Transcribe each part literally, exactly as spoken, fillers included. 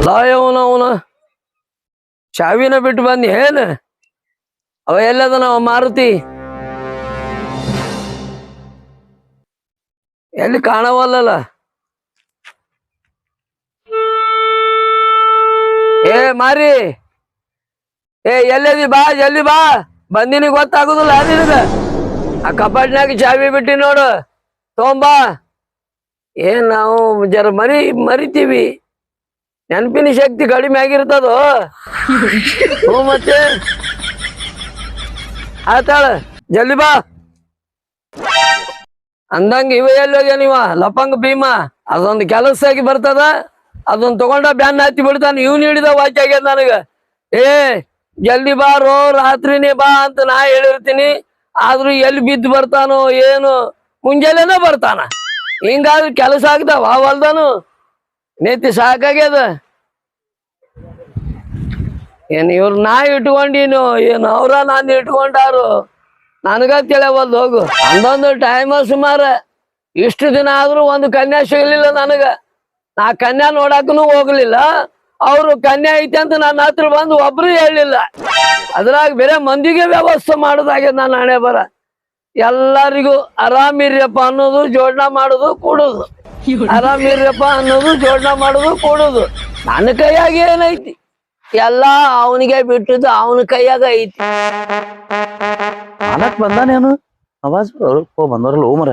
ಅಲ್ಲ ಅವನ ಅವನ ಚಾವಿನ ಬಿಟ್ಟು ಬಂದಿ ಏನ್ ಅವ ಎಲ್ಲದ ನಾವ ಮಾರುತಿ ಎಲ್ಲಿ ಕಾಣವಲ್ಲಲ್ಲ ಏ ಮಾರಿ ಏ ಎಲ್ಲದಿ ಬಾ ಜಲ್ದಿ ಬಾ ಬಂದಿನಿ ಗೊತ್ತಾಗುದಿಲ್ಲ ನಿನಗ ಆ ಕಪಾಟಿನಾಗ ಚಾವಿ ಬಿಟ್ಟಿ ನೋಡು ತಗೊಂಬಾ ಏನ್ ನಾವು ಜರ ಮರಿ ಮರಿತೀವಿ ನೆನಪಿನ ಶಕ್ತಿ ಕಡಿಮೆ ಆಗಿರ್ತದೋ ಹ್ಞೂ ಮತ್ತೆ ಆತಾಳ ಜಲ್ದಿ ಬಾ ಅಂದಂಗ ಇವ ಎಲ್ಲೋಗ್ಯ ನೀವ ಲಪಂಗ ಭೀಮ ಅದೊಂದು ಕೆಲಸ ಆಗಿ ಬರ್ತದ ಅದೊಂದು ತಗೊಂಡ ಬ್ಯಾನ್ ಹತ್ತಿ ಬಿಡ್ತಾನ ಇವ್ ನೀಡಿದ ವಾಚ್ ಆಗ್ಯದ ನನಗ ಏ ಜಲ್ದಿ ಬಾರೋ ರಾತ್ರಿನೇ ಬಾ ಅಂತ ನಾ ಹೇಳಿರ್ತೀನಿ ಆದ್ರೂ ಎಲ್ಲಿ ಬಿದ್ದು ಬರ್ತಾನೋ ಏನು ಮುಂಜಾನೆನ ಬರ್ತಾನ ಹಿಂಗಾದ್ರೂ ಕೆಲಸ ಆಗ್ತಾವ ಹೊಲ್ದಾನು ನೆತ್ತಿ ಸಾಕಾಗ್ಯದ ಏನ್ ಇವ್ರ ನಾ ಇಟ್ಕೊಂಡಿನು ಏನು ಅವ್ರ ನಾನು ಇಟ್ಕೊಂಡಾರು ನನಗ ತಿಳಿಯವಲ್ದು ಹೋಗು ಅಂದೊಂದು ಟೈಮ ಸುಮಾರ ಇಷ್ಟು ದಿನ ಆದ್ರೂ ಒಂದು ಕನ್ಯಾ ಸಿಗ್ಲಿಲ್ಲ ನನಗ ನಾ ಕನ್ಯಾ ನೋಡಾಕನು ಹೋಗ್ಲಿಲ್ಲ ಅವ್ರು ಕನ್ಯಾ ಐತಿ ಅಂತ ನನ್ನ ಹತ್ರ ಬಂದು ಒಬ್ರು ಹೇಳಿಲ್ಲ ಅದ್ರಾಗ ಬೇರೆ ಮಂದಿಗೆ ವ್ಯವಸ್ಥೆ ಮಾಡೋದಾಗ್ಯದ ನಾನು ಹಣೆ ಬರ ಎಲ್ಲರಿಗೂ ಆರಾಮಿರ್ಯಪ್ಪ ಅನ್ನೋದು ಜೋಡಣೆ ಮಾಡೋದು ಕೂಡುದು ಆರಾಮಿರ್ಯಪ್ಪ ಅನ್ನೋದು ಜೋಡಣೆ ಮಾಡೋದು ಕೂಡುದು ನನ್ನ ಕೈಯಾಗ ಏನೈತಿ ಎಲ್ಲ ಅವನಿಗೆ ಬಿಟ್ಟಿದ್ದು ಅವನ ಕೈಯಾಗ ಐತಿ ಮಾಲಕ್ ಬಂದಾನೇನು ಅವಾಜ್ ಓ ಬಂದವ್ರಲ್ಲ ಓ ಮರ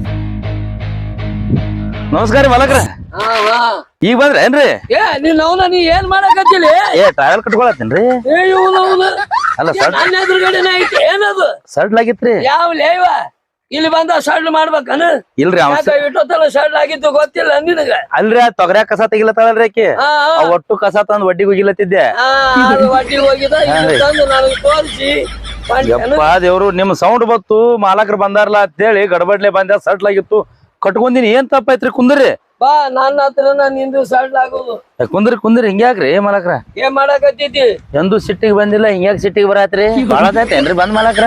ನಮಸ್ಕಾರ ಮಾಲಕ್ರ ಈಗ ಬಂದ್ರ ಏನ್ರಿ ಏ ನೀನ್ ಅವನ ನೀ ಏನ್ ಮಾಡಕತ್ತಿಲ್ಲ ಏ ಟ್ರಾವೆಲ್ ಕಟ್ಕೊಳತ್ತೇನ್ರಿ ಏ ಇವನು ಅಲ್ಲ ನನ್ನ ಎದುರುಗಡೆನೆ ಐತಿ ಏನದು ಸಡ್ಲ್ ಆಗಿತ್ರಿ ಯಾವ ಲೇವ ಇಲ್ಲಿ ಬಂದ ಸಡ್ಲ್ ಮಾಡ್ಬೇಕನ ಇಲ್ರಿ ಅವ ಇಟ್ಟೊತ್ತಲ್ಲ ಸಡ್ಲ್ ಆಗಿತ್ತು ಗೊತ್ತಿಲ್ಲ ನಿನಗ ಅಲ್ರಿ ತೊಗರ್ಯಾಗ ಕಸ ತೆಗಿಲತ್ತಾಳಲ್ರಿ ಆಕಿ ಒಟ್ಟು ಕಸ ತಂದ್ ವಡ್ಡಿ ಹೋಗಿಲತ್ತಿದ್ದೆ ಒಟ್ಟಿ ಹೋಗಿದ ತಂದು ನನಗೆ ತೋರಿಸಿ ಯಪ್ಪ ದೇವ್ರು ನಿಮ್ ಸೌಂಡ್ ಬತ್ತು ಮಾಲಕ್ರ ಬಂದಾರಲ್ಲ ಅಂತೇಳಿ ಗಡಬಡ್ಲೆ ಬಂದ ಸಡ್ಲ್ ಆಗಿತ್ತು ಕಟ್ಕೊಂದಿನಿ ಏನ್ ತಪ್ಪೈತ್ರಿ ಕುಂದ್ರಿ ಬಾ ನನ್ನ ಹತ್ರ ನಿಂದು ಸಡ್ಲ್ ಆಗೋದು ಕುಂದ್ರಿ ಕುಂದ್ರಿ ಹಿಂಗ್ಯಾಕ್ರಿ ಮಾಲಕ್ರ ಏನ್ ಮಾಡಕತ್ತಿದ್ದಿ ಎಂದು ಸಿಟ್ಟಿಗೆ ಬಂದಿಲ್ಲ ಹಿಂಗ್ಯಾಕ್ ಸಿಟ್ಟಿಗೆ ಬರತ್ರಿ ಬಾಳತೈತೇನ್ರಿ ಬಂದ್ ಮಾಲಕ್ರ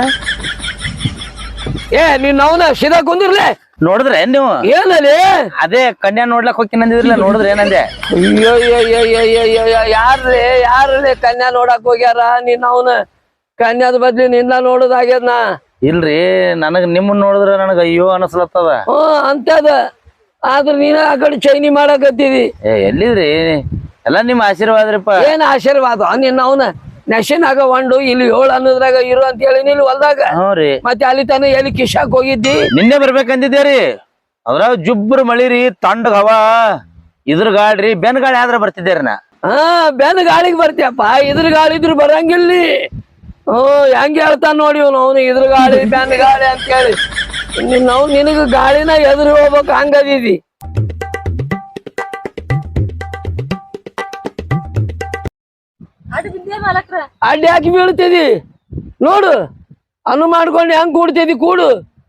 ಏ ನೀನ್ ಅವನ ಸಿದಾ ಕುಂದಿರ್ಲೆ ನೋಡಿದ್ರೆ ನೀವು ಏನಲ್ಲಿ ಅದೇ ಕನ್ಯಾ ನೋಡ್ಲಕ್ ಹೋಗಿ ನಂದಿದ್ರಲ್ಲ ನೋಡಿದ್ರೆ ಏನಂದೆ ಅಯ್ಯೋ ಯಾರ್ರಿ ಯಾರಲ್ಲಿ ಕನ್ಯಾ ನೋಡಕ್ ಹೋಗ್ಯಾರ ನೀನ್ ಅವನ ಕನ್ಯಾದ ಬದ್ಲಿ ನಿನ್ನ ನೋಡೋದಾಗ್ಯದ ನಾ ಇಲ್ರಿ ನನಗ್ ನಿಮ್ಮನ್ ನೋಡಿದ್ರ ನನಗ ಅಯ್ಯೋ ಅನಸ್ಲತ್ತದ ಹ್ಮ್ ಅಂತದ ಆದ್ರ ನೀನ ಆ ಕಡೆ ಚೈನಿ ಮಾಡಕತ್ತಿದಿ ಏ ಎಲ್ಲಿದ್ರಿ ಎಲ್ಲಾ ನಿಮ್ ಆಶೀರ್ವಾದ್ರಿಪ್ಪ ಏನ್ ಆಶೀರ್ವಾದ ನಿನ್ನ ಅವನ ನೆಶಿನಾಗ ಒಂದು ಇಲ್ಲಿ ಏಳು ಅನ್ನೋದ್ರಾಗ ಇರು ಅಂತ ಹೇಳಿ ನೀನ್ ಹೊಲ್ದಾಗ ಹ್ಞೂರಿ ಮತ್ತೆ ಅಲ್ಲಿ ತಾನ ಎಲ್ಲಿ ಕಿಶಾಕ್ ಹೋಗಿದ್ದಿ ನಿನ್ನೆ ಬರ್ಬೇಕಂದಿದ್ದೇರಿ ಅದ್ರಾಗ ಜುಬ್ರ ಮಳಿರಿ ತಂಡಗ್ ಹವಾ ಇದ್ರ ಗಾಡ್ರಿ ಬೆನ್ ಗಾಳಿ ಆದ್ರ ಬರ್ತಿದ್ದೇರಿ ನಾ ಹಾ ಬೆನ್ ಗಾಳಿಗೆ ಬರ್ತೀಯಪ್ಪ ಇದ್ರ ಗಾಳಿ ಇದ್ರು ಬರಂಗಿಲ್ಲಿ ಹ್ಮ್ ಹೆಂಗ ಹೇಳ್ತಾನ ನೋಡಿ ಇವನು ಅವನು ಇದ್ರ ಗಾಳಿ ಬೆನ್ ಗಾಳಿ ಅಂತ ಹೇಳಿ ನಾವು ನಿನಗ ಗಾಳಿನ ಎದುರು ಹೋಗ್ಬೇಕು ಹಂಗದಿದಿ ಅಡ್ಡಿ ಹಾಕಿ ಬೀಳ್ತಿದಿ ನೋಡು ಅನು ಮಾಡ್ಕೊಂಡು ಹೆಂಗ್ ಕೂಡ್ತಿದಿ ಕೂಡು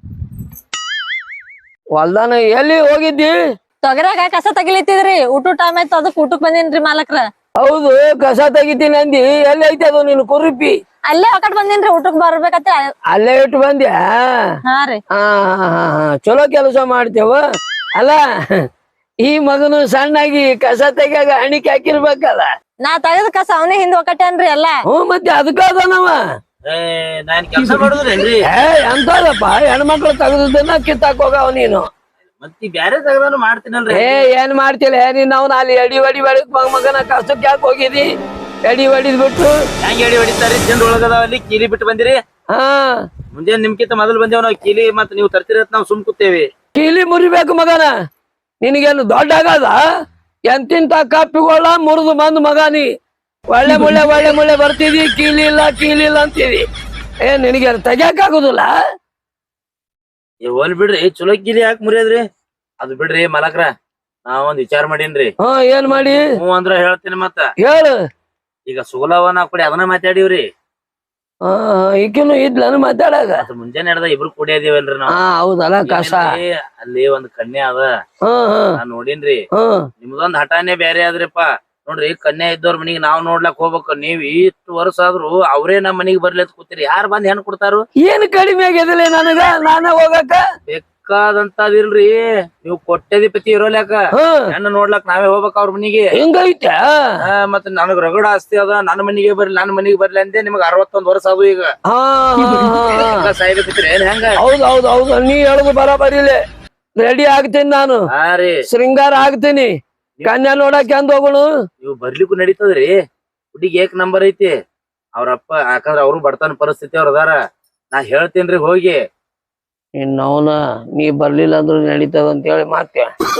ಹೊಲ್ದಾನ ಎಲ್ಲಿ ಹೋಗಿದ್ದಿ ತೊಗರಾಗ ಕಸ ತಗಿಲಿತ್ತಿದ್ರಿ ಊಟ ಟೈಮ್ ಆಯ್ತು ಅದಕ್ಕೆ ಊಟಕ್ ಬಂದೇನ್ರಿ ಮಾಲಕ್ರ ಹೌದು ಕಸ ತೆಗಿತೀನಿ ಅಂದಿ ಎಲ್ಲಿ ಐತಿ ಅದು ನೀನು ಕುರುಪಿ ಅಲ್ಲೇ ಹೊಕಟ್ ಬಂದೇನ್ರಿ ಊಟಕ್ ಬರ್ಬೇಕತ್ತ ಅಲ್ಲೇ ಇಟ್ಟು ಬಂದ್ಯಾ ಹಾ ರೀ ಹಾ ಹಾ ಹಾ ಚಲೋ ಕೆಲಸ ಮಾಡ್ತೇವ ಅಲ್ಲ ಈ ಮಗನು ಸಣ್ಣಾಗಿ ಕಸ ತೆಗಿಯಾಗ ಹಣಿಕೆ ಹಾಕಿರ್ಬೇಕಲ್ಲ ನಾ ತಗದ ಕಸ ಅವನೇ ಹಿಂದ್ ಒಕ್ಕಟ್ಟೇನ್ರಿ ಎಲ್ಲಾ ಹ್ಞೂ ಮತ್ತೆ ಅದಕ್ಕ ಅದನವ ನಾನ್ ಕೆಲಸ ಮಾಡುದ್ರೇನ್ರಿ ಏ ಎಂತದಪ್ಪ ಹೆಣ್ಮಕ್ಳು ತೆಗದನ್ನ ಕಿತ್ತಾಕ್ ಹೋಗವ ನೀನು ಮತ್ತೆ ಬ್ಯಾರೆ ತಗದಾನು ಮಾಡ್ತೀನಲ್ರಿ ಏ ಏನ್ ಮಾಡ್ತಿಲ್ಲ ನೀನ್ ಅವ್ನ ಅಲ್ಲಿ ಎಡಿ ವಡಿ ಬಡಿದ್ ಮಗನ ಕಸಕ್ ಯಾಕೆ ಹೋಗಿದಿ ಎಡಿ ವಡಿದ್ ಬಿಟ್ಟು ಹೆಂಗ್ ಎಡಿ ಹೊಡಿತಾರಿ ಜಂಡ್ ಒಳಗದಾವ ಅಲ್ಲಿ ಕೀಲಿ ಬಿಟ್ಟು ಬಂದಿರಿ ಹಾ ಮುಂಜಾನೆ ನಿಮ್ಕಿಂತ ಮೊದಲು ಬಂದೇವ್ ನಾವು ಕೀಲಿ ಮತ್ ನೀವು ತರ್ತಿರ ನಾವು ಸುಮ್ ಕೂತೇವಿ ಕೀಲಿ ಮುರಿಬೇಕು ಮಗನ ನಿನಗೇನು ದೊಡ್ಡ ಆಗದ ಎಂತಿಂತ ಕಪ್ಪಿಗೊಳ್ಳ ಮುರಿದು ಬಂದ್ ಮಗನಿ ಒಳ್ಳೆ ಮುಳ್ಳೆ ಒಳ್ಳೆ ಮುಳ್ಳೆ ಬರ್ತಿದಿ ಕೀಲಿ ಇಲ್ಲ ಕೀಲಿ ಇಲ್ಲ ಅಂತಿದಿ ಏ ನಿನಗೆ ತೆಗ್ಯಾಕ ಆಗುದಿಲ್ಲ ಹೋಲ್ ಬಿಡ್ರಿ ಚಲೋ ಕೀಲಿ ಯಾಕೆ ಮುರಿಯದ್ರಿ ಅದು ಬಿಡ್ರಿ ಮಲಕ್ರ ನಾ ಒಂದ್ ವಿಚಾರ ಮಾಡೀನ್ರಿ ಹಾ ಏನ್ ಮಾಡಿ ಹ್ಞೂ ಅಂದ್ರ ಹೇಳ್ತೀನಿ ಮತ್ತ ಹೇಳು ಈಗ ಸುಗಲವನ ಕೂಡಿ ಅದನ್ನ ಮಾತಾಡಿವ್ರಿ ಹಾ ಈಕಿನು ಇದ್ಲನು ಮಾತಾಡಾಗ ಮುಂಜಾನೆ ಹಿಡ್ದ ಇಬ್ರು ಕೂಡಿಯದೇವಲ್ರಿ ಹಾ ನಾವ್ ಹೌದಲ್ಲ ಕಸ ಅಲ್ಲಿ ಒಂದ್ ಕನ್ಯಾ ಅದ ಹ್ಮ್ ಹ್ಮ್ ನಾ ನೋಡೀನ್ರಿ ಹ್ಮ್ ನಿಮ್ದೊಂದ್ ಹಠಾನೆ ಬೇರೆ ಆದ್ರಿಪ್ಪ ನೋಡ್ರಿ ಕನ್ಯಾ ಇದ್ದವ್ರ ಮನಿಗ್ ನಾವ್ ನೋಡ್ಲಕ್ ಹೋಗ್ಬೇಕು ನೀವ್ ಇಷ್ಟು ವರ್ಷ ಆದ್ರೂ ಅವ್ರೇ ನಮ್ ಮನಿಗ್ ಬರ್ಲಿ ಅಂತ ಕೂತಿರಿ ಯಾರು ಬಂದ್ ಹೆಣ್ ಕೊಡ್ತಾರು ಏನ್ ಕಡಿಮೆ ಆಗ್ಯದಲ್ಲ ನನಗ ನಾನ ಹೋಗಕ್ಕ ರೊಕ್ಕದಂತದಿಲ್ರಿ ನೀವು ಕೊಟ್ಟಧಿಪತಿ ಇರೋಲ್ಯಾಕ ಹ್ಮ್ ಹೆಣ್ಣು ನೋಡ್ಲಕ್ ನಾವೇ ಹೋಗ್ಬೇಕ ಅವ್ರ ಮನಿಗೆ ಹಿಂಗೈತೆ ಆ, ಮತ್ತ್ ನನಗ್ ರಗಡ ಆಸ್ತಿ ಅದ ನನ್ನ ಮನಿಗೆ ಬರ್ಲಿ ನನ್ನ ಮನಿಗೆ ಬರ್ಲಿ ಅಂದೆ ನಿಮಗ್ ಅರವತ್ತೊಂದ್ ವರ್ಷ ಅದು ಈಗ ಹಾ ಎಲ್ಲ ಸಾಯ್ಬೇಕಿತ್ರಿ ಏನ್ ಹೆಂಗ ಹೌದು ಹೌದು ಹೌದು ನೀ ಹೇಳುದು ಬರಾಬರಿಲೆ ರೆಡಿ ಆಗ್ತೀನಿ ನಾನು ಹಾ ರೀ ಶೃಂಗಾರ ಆಗ್ತೀನಿ ಕನ್ಯಾ ನೋಡಕ್ ಎಂದ್ ಹೋಗೋಣ ನೀವು ಬರ್ಲಿಕ್ಕೂ ನಡೀತದ್ರಿ ಹುಡುಗಿ ಏಕ್ ನಂಬರ್ ಐತಿ ಅವ್ರಪ್ಪ ಯಾಕಂದ್ರ ಅವ್ರು ಬಡತನ ಪರಿಸ್ಥಿತಿ ಅವ್ರ ಅದಾರ ನಾ ಹೇಳ್ತೇನ್ರಿ ಹೋಗಿ ಇನ್ನವನ ನೀ ಬರ್ಲಿಲ್ಲ ಅಂದ್ರು ನಡೀತದ ಅಂತ ಹೇಳಿ ಮತ್ತೆ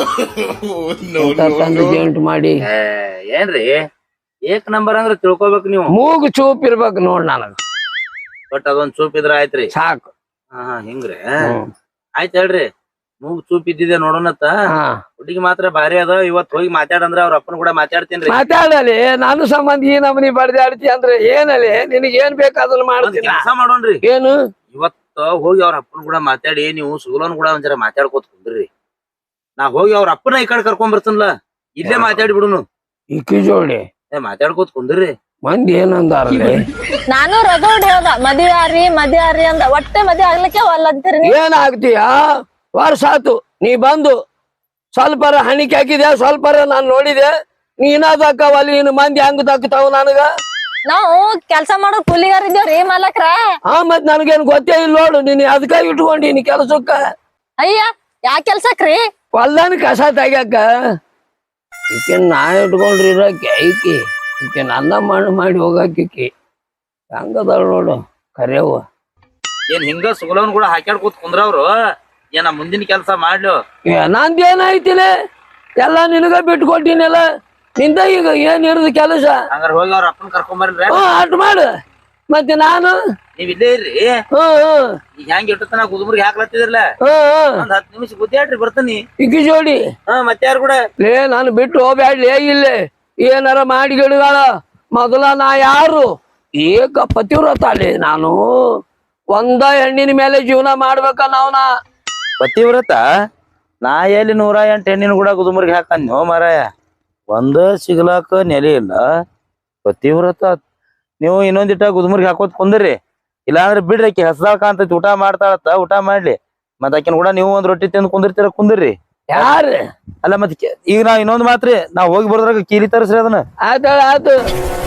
ತಂದು ಜೇಂಟ್ ಮಾಡಿ ಏ, ಏನ್ರಿ ಏಕ್ ನಂಬರ್ ಅಂದ್ರ ತಿಳ್ಕೊಬೇಕು ನೀವು ಮೂಗು ಚೂಪ್ ಇರ್ಬೇಕು ನೋಡ್ ನನಗ ಬಟ್ ಅದೊಂದ್ ಚೂಪ್ ಇದ್ರ ಆಯ್ತ್ರಿ ಸಾಕು ಹಾ ಹಾ ಹಿಂಗ್ರಿ ಹ್ಮ್. ಆಯ್ತ್ ಹೇಳ್ರಿ ಮೂಗ್ ಚೂಪ್ ಇದ್ದಿದೆ ನೋಡೋಣತ್ತ ಹಾ ಹುಡುಗಿ ಮಾತ್ರ ಭಾರಿ ಅದ ಇವತ್ ಹೋಗಿ ಮಾತಾಡಂದ್ರ ಅವ್ರ ಅಪ್ಪನ ಕೂಡ ಮಾತಾಡ್ತೇನ್ರಿ ಮಾತಾಡಲಿ ನಾನು ಸಂಬಂಧ ಈ ನಮನಿ ಬಡ್ದಾಡ್ತಿ ಅಂದ್ರೆ ಏನಲ್ಲಿ ನಿನಗೆ ಏನ್ ಬೇಕು ಅದನ್ನ ಮಾಡ್ತೀನಿ ಕೆಲಸ ಮಾಡೋಣ್ರಿ ಏನು ಇವತ್ತ ಹೋಗಿ ಅವ್ರ ಅಪ್ಪನ ಕೂಡ ಮಾತಾಡಿ ನೀವು ಸುಗುಲನ್ ಕೂಡ ಒಂದ್ ಜರ ಮಾತಾಡ್ಕೋತ ಕುಂದ್ರಿ ನಾ ಹೋಗಿ ಅವ್ರ ಅಪ್ಪನ ಈ ಕಡೆ ಕರ್ಕೊಂಡ್ ಬರ್ತನಲ್ಲ ಇಲ್ಲೇ ಮಾತಾಡಿ ಬಿಡುನು ಇಕ್ಕಿ ಜೋಡಿ ಏ ಮಾತಾಡ್ಕೋತ ಕುಂದ್ರಿ ಮಂದಿ ಏನಂದಾರಲ್ಲಿ ನಾನು ರಗಡ್ ಹೇಳ್ದ ಮದ್ವೆ ಆರಿ ಮದ್ವೆ ಆರಿ ಅಂದ ಒಟ್ಟೆ ಮದ್ವೆ ಆಗ್ಲಿಕ್ಕೆ ಒಲ್ಲಂತೀರಿ ನೀವ್. ಏನ್ ಆಗ್ತೀಯ ವರ್ಷ ಆತು ನೀ ಬಂದು ಸ್ವಲ್ಪರ ಹಣಿಕೆ ಹಾಕಿದೆ ಸ್ವಲ್ಪರ ನಾನ್ ನೋಡಿದೆ ನೀನಾದಕ್ಕವಲ್ಲಿ ಇನ್ನು ಮಂದಿ ಹಂಗ ದಕ್ಕತಾವ ನನಗ ನಾವು ಕೆಲ್ಸ ಮಾಡೋ ಕೂಲಿಗಾರ ಇದ್ದೇವ್ರಿ ಮಾಲಕ್ರ ಹಾ ಮತ್ ನನಗೇನ್ ಗೊತ್ತೇ ಇಲ್ಲ ನೋಡು ನೀನ್ ಅದಕ್ಕ ಇಟ್ಕೊಂಡಿನಿ ಕೆಲಸಕ್ಕ ಅಯ್ಯ ಯಾ ಕೆಲ್ಸಕ್ರಿ ಹೊಲ್ದಾನ ಕಸ ತೆಗ್ಯಾಕ ಈಕೆ ನಾ ಇಟ್ಕೊಂಡ್ರಿ ಇರಕ್ಕೆ ಐಕಿ ಈಕೆ ನನ್ನ ಮಣ್ಣು ಮಾಡಿ ಹೋಗಾಕಿ ಹಂಗದಾಳ ನೋಡು ಕರೆಯವ್ವ ಏನ್ ಹಿಂಗ ಸುಗುಲನ್ ಕೂಡ ಹಾಕ್ಯಾಡ್ಕೋತ ಕುಂದ್ರವ್ರು ಏನ ಮುಂದಿನ ಕೆಲ್ಸ ಮಾಡ್ಲು ನಂದೇನಾಯ್ತಿಲೆ ಎಲ್ಲ ನಿನಗ ಬಿಟ್ಕೊಟ್ಟಿನಲ್ಲ ನಿಂದ ಈಗ ಏನ್ ಇರುದು ಕೆಲಸ ಹಂಗಾರ ಹೋಗಿ ಅವ್ರ ಅಪ್ಪನ ಕರ್ಕೊಂಡ್ ಬರ್ರಿ ಹ್ಮ್ ಅಟ್ ಮಾಡು ಮತ್ತೆ ನಾನು ನೀವ್ ಇಲ್ಲೇ ಇರ್ರಿ ಹ್ಮ್ ಹ್ಮ್ ಈಗ ಹೆಂಗ್ ಇಟ್ಟತನ ಗುದುಮರ್ಗಿ ಹಾಕ್ಲತ್ತಿದ್ರಲ್ಲ ಹ್ಮ್ ಹ್ಮ್ ಒಂದ್ ಹತ್ತು ನಿಮಿಷ ಗುದ್ದಾಡ್ರಿ ಬರ್ತಾನಿ ಇಕ್ಕಿ ಜೋಡಿ ಹಾ ಮತ್ತೆ ಯಾರು ಕೂಡ ಲೇ ನಾನು ಬಿಟ್ಟು ಹೋಗ್ಬ್ಯಾಡ್ಲಿ ಇಲ್ಲೇ ಏನಾರ ಮಾಡಿ ಗಿಡಗಳ ಮೊದಲ ನಾ ಯಾರು ಏಕ ಪತಿವ್ರತಾಳಿ ನಾನು ಒಂದ ಹೆಣ್ಣಿನ ಮೇಲೆ ಜೀವನ ಮಾಡ್ಬೇಕ ನಾವ್ನ ಪತಿವ್ರತ ನಾ ಎಲ್ಲಿ ನೂರ ಎಂಟು ಹೆಣ್ಣಿನ ಕೂಡ ಗುದುಮರ್ಗಿ ಹಾಕನ್ಯೋ ಮಾರಾಯ ಒಂದ ಸಿಗ್ಲಾಕ ನೆಲೆ ಇಲ್ಲ ಪತಿವ್ರತ ನೀವು ಇನ್ನೊಂದಿಟ್ಟ ಗುದುಮರ್ಗಿ ಹಾಕೋತ್ ಕುಂದ್ರಿ ಇಲ್ಲಾಂದ್ರೆ ಬಿಡ್ರಿ ಆಕಿ ಹಸ್ದಾಳ ಕಾಂತೈತಿ ಊಟ ಮಾಡ್ತಾಳತ್ತ ಊಟ ಮಾಡ್ಲಿ ಮತ್ ಆಕಿನ ಕೂಡ ನೀವು ಒಂದ್ ರೊಟ್ಟಿ ತಿಂದು ಕುಂದಿರ್ತೀರ ಕುಂದ್ರಿ ಯಾರು ಅಲ್ಲ ಮತ್ತೆ ಕೆ- ಈಗ ನಾ ಇನ್ನೊಂದ್ ಮಾತ್ರಿ ನಾವ್ ಹೋಗಿ ಬರೋದ್ರಾಗ ಕೀಲಿ ತರಸ್ರಿ ಅದನ್ನ ಆತಾಳ ಆತು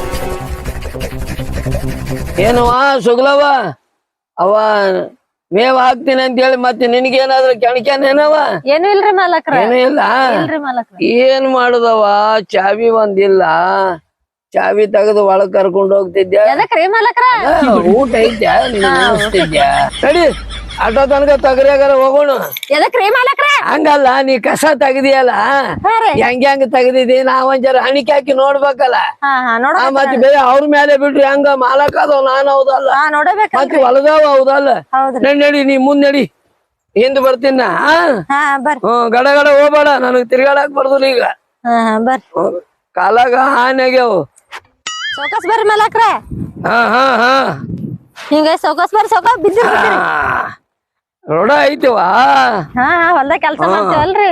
ಏನವ ಸುಗ್ಲವ ಅವ ಮೇವ್ ಹಾಕ್ತೀನಿ ಅಂತ ಹೇಳಿ ಮತ್ತೆ ನಿನಗೇನಾದ್ರು ಕೆಣಕ್ಯಾನೇನವ ಏನು ಇಲ್ರಿ ಮಾಲಕ್ರ ಏನೂ ಇಲ್ಲ ಇಲ್ರಿ ಮಾಲಕ್ರ ಏನ್ ಮಾಡುದವ ಚಾವಿ ಒಂದಿಲ್ಲ ಚಾವಿ ತೆಗೆದು ಒಳಗ್ ಕರ್ಕೊಂಡ್ ಹೋಗ್ತಿದ್ಯಾ ಎದಕ್ರಿ ಮಾಲಕ್ರ ಆ, ಊಟ ಐತ್ಯಾ ನೀನ್ ಉಣಿಸ್ತಿದ್ಯಾ ನಡಿ ಆಟೋ ತನಕ ತಗರಿಯಾಗಾರ ಹೋಗೋಣ ಎದಕ್ರಿ ಮಾಲಕ್ರ ಹಂಗಲ್ಲ ನೀ ಕಸ ತೆಗ್ದಿಯಲ್ಲ ಹಾ ರೀ ಹೆಂಗ್ ಹೆಂಗ್ ತೆಗ್ದಿದಿ ನಾವ್ ಒಂದ್ ಜರ ಹಣಿಕೆ ಹಾಕಿ ನೋಡ್ಬೇಕಲ್ಲ ಹಾ ಹಾ ನೋಡ ಆ ಮತ್ತೆ ಬೇರೆ ಅವ್ರ ಮೇಲೆ ಬಿಟ್ರಿ ಹಂಗ ಮಾಲಕ್ ಅದಾವ ನಾನ್ ಹೌದಲ್ಲ ಹಾ ನೋಡಬೇಕ ಮತ್ತೆ ಹೊಲದಾವ ಹೌದಲ್ಲ ಹೌದ್ರಿ ನಡಿ ನಡಿ ನೀ ಮುಂದ್ ನಡಿ ಹಿಂದ್ ಬರ್ತೀನ ಹಾ ಹಾ ಬರ್ರಿ ಹ್ಮ್ ಗಡ ಗಡ ಹೋಗ್ಬೇಡ ನನಗ್ ತಿರ್ಗಾಡಕ್ ಬರ್ದಿಲ್ಲ ಈಗ ಹಾ ಹಾ ಬರ್ರಿ ಹ್ಮ್. ಕಾಲಾಗ ಹಾನಿ ಆಗ್ಯಾವ ಸೌಕಾಸ್ ಬರ್ರಿ ಮಾಲಕ್ರ ಹಾ ಹಾ ಹಾ ಹಿಂಗ ಸೌಕಾಸ್ ಬರ್ರಿ ಸೌಕಾಸ್ ಬಿದ್ದಿರಿ ಬಿದ್ದಿರಿ. ರೋಡ ಐತಿವಾ ಹಾ ಹಾ ಹೊಲ್ದಾಗ ಕೆಲ್ಸ ಮಾಡ್ತೇವಲ್ರಿ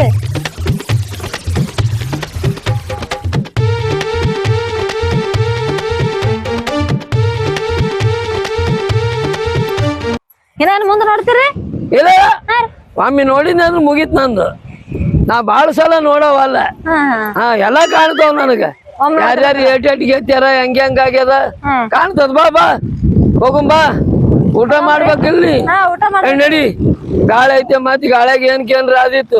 ಏನೇನ್ ಮುಂದೆ ನೋಡ್ತೀರಿ ಇಲ್ಲ ಒಮ್ಮೆ ನೋಡಿದ್ನ ಅಂದ್ರೆ ಮುಗೀತ್ ನಂದು ನಾ ಬಾಳ ಸಲ ನೋಡವಲ್ಲ ಹಾ ಹಾ ಹಾ ಎಲ್ಲಾ ಕಾಣ್ತಾವ ನನಗ ಒಮ್ಮೆ ಯಾರ್ಯಾರು ಏಟ್ ಏಟ್ ಗೆತ್ಯಾರ ಹೆಂಗ್ ಹೆಂಗ್ ಆಗ್ಯದ ಹ್ಮ್. ಕಾಣ್ತದ ಬಾ ಬಾ ಹೋಗುಂ ಬಾ ಊಟ ಮಾಡ್ಬೇಕಿಲ್ಲಿ ಹಾ ಊಟ ಮಾಡಿ ಏ, ನಡಿ ಗಾಳಿ ಐತೆ ಮತ್ ಗಾಳಿಯಾಗ ಏನ್ ಕೇಂದ್ರ ಆದಿತ್ತು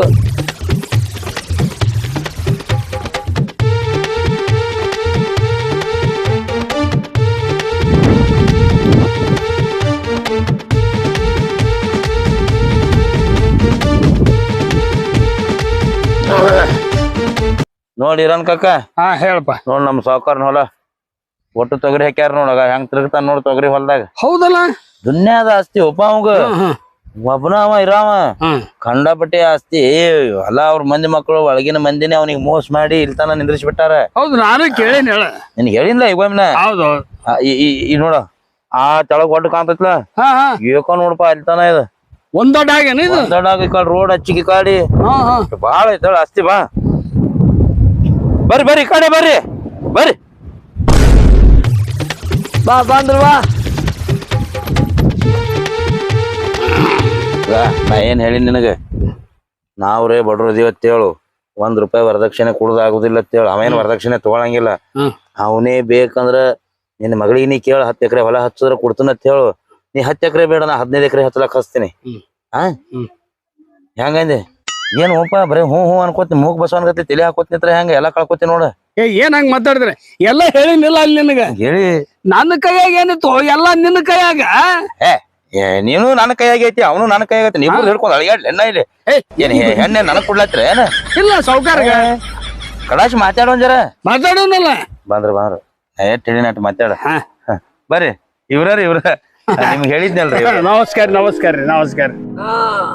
ನೋಡಿ ಇರನ್ ಕಾಕ ಹಾ ಹೇಳಪ್ಪ ನೋಡ್ ನಮ್ ಸಾವುಕಾರನ ಹೊಲ ಒಟ್ಟು ತೊಗರಿ ಹಾಕ್ಯಾರ ನೋಡಗ ಹೆಂಗ್ ತಿರುಗ್ತಾನ ನೋಡ್ ತೊಗರಿ ಹೊಲದಾಗ ಹೌದಲ್ಲ ದುನ್ಯಾದ ಆಸ್ತಿ ಒಬ್ಬ ಅವಂಗ ಒಬ್ಬನ ಅವ ಇರಾವ ಕಂಡಪಟ್ಟಿ ಆಸ್ತಿ ಎಲ್ಲ ಅವ್ರ ಮಂದಿ ಮಕ್ಕಳು ಒಳಗಿನ ಮಂದಿನೇ ಅವನಿಗೆ ಮೋಸ ಮಾಡಿ ಇಲ್ತಾನ ನಿಂದ್ರಿಸ್ಬಿಟ್ಟಾರ ಹೌದು ನಾನು ಕೇಳೇನಿ ಹೇಳ ನಿನ್ಗೆ ಹೇಳಿಲ್ಲ ಈಗ ಒಮ್ಮೆ ಹೌದು ಈ ನೋಡ ಆ ತೆಳಗ್ ಒಟ್ಟು ಕಾಣ್ತೈತ್ಲ ಹಾ ಹಾ ಏಕೋ ನೋಡಪ್ಪ ಅಲ್ತಾನ ಇದು ಒಂದ್ ದೊಡ್ಡ ಆಗ್ಯಾನ ಇದು ದೊಡ್ಡಾಗ ಈ ಕಡೆ ರೋಡ್ ಹಚ್ಚಿಗೆ ಕಾಡಿ ಹಾ ಹಾ ಬಾಳ ಐತಳ ಆಸ್ತಿ ಬಾ ಬರ್ರಿ ಬರ್ರಿ ಈ ಕಡೆ ಬರ್ರಿ ಬರ್ರಿ ಬಾ ಬಂದ್ರ ಬಾ ನಾ ಏನ್ ಹೇಳಿ ನಿನಗ ನಾವ್ರೇ ಬಡ್ರು ಇದೀವಿ ಅಂತೇಳು ಒಂದ್ ರೂಪಾಯಿ ವರದಕ್ಷಿಣೆ ಕುಡ್ದು ಆಗುದಿಲ್ಲ ಅಂತೇಳು ಅವೇನ್ ವರದಕ್ಷಿಣೆ ತಗೊಳಂಗಿಲ್ಲ ಹ್ಮ್. ಅವನೇ ಬೇಕಂದ್ರ ನಿನ್ ಮಗಳಿಗೆ ನೀ ಕೇಳ ಹತ್ತು ಎಕರೆ ಹೊಲ ಹಚ್ಚಿದ್ರ ಕೊಡ್ತೀನಿ ಅಂತ ಹೇಳು ನೀ ಹತ್ತು ಎಕರೆ ಬೇಡ ನಾ ಹದಿನೈದು ಎಕರೆ ಹಚ್ಚಲಕ್ ಹಚ್ತೀನಿ ಹ್ಮ್. ಹಾ ಹ್ಮ್. ಹೆಂಗಂದೆ ಏನ್ ಹೋಪ ಬರೀ ಹ್ಞೂ ಹ್ಞೂ ಅನ್ಕೋತಿ ಮೂಗ್ ಬಸವನ್ಗತಿ ತಲೆ ಹಾಕೋತಿತ್ರ ಹೆಂಗ ಎಲ್ಲಾ ಕಳ್ಕೊತಿ ನೋಡ ಏ ಏನ್ ಹಂಗ ಮಾತಾಡಿದ್ರೆ ಎಲ್ಲ ಹೇಳಿನಿಲ್ಲ ಅಲ್ಲಿ ನಿನಗ ಹೇಳಿ ನನ್ನ ಕೈಯಾಗ ಏನಿತ್ತು ಎಲ್ಲ ನಿನ್ನ ಕೈಯಾಗ ಏ ನೀನು ನನ್ನ ಕೈಯಾಗ ಐತಿ ಅವನು ನನ್ನ ಕೈಯಾಗ ಐತಿ ನೀವು ಹಿಡ್ಕೊಂಡ್ ಅಳಿಗಾಡ್ಲಿ ಹೆಣ್ಣ ಇಲ್ಲಿ ಏನ್ ಹೆ- ಹೆಣ್ಣೆ ನನಗ್ ಕೊಡ್ಲತ್ರ ಏನ ಇಲ್ಲ ಸೌಕಾರ್ಗ ಕಡಾಶ್ ಮಾತಾಡೋನ್ ಜರ ಮಾತಾಡೋನಲ್ಲ ಬಂದ್ರ ಬಂದ್ರ ಏ ತಿಳಿ ನಟ್ ಮಾತಾಡ ಹಾ. ಹ, ಬರ್ರಿ ಇವ್ರ ಇವ್ರ ನಿಮ್ಗೆ ಹೇಳಿದ್ನಲ್ರಿ ಇವ್ರ. ನಮಸ್ಕಾರ ನಮಸ್ಕಾರ ರೀ ನಮಸ್ಕಾರ ಹಾ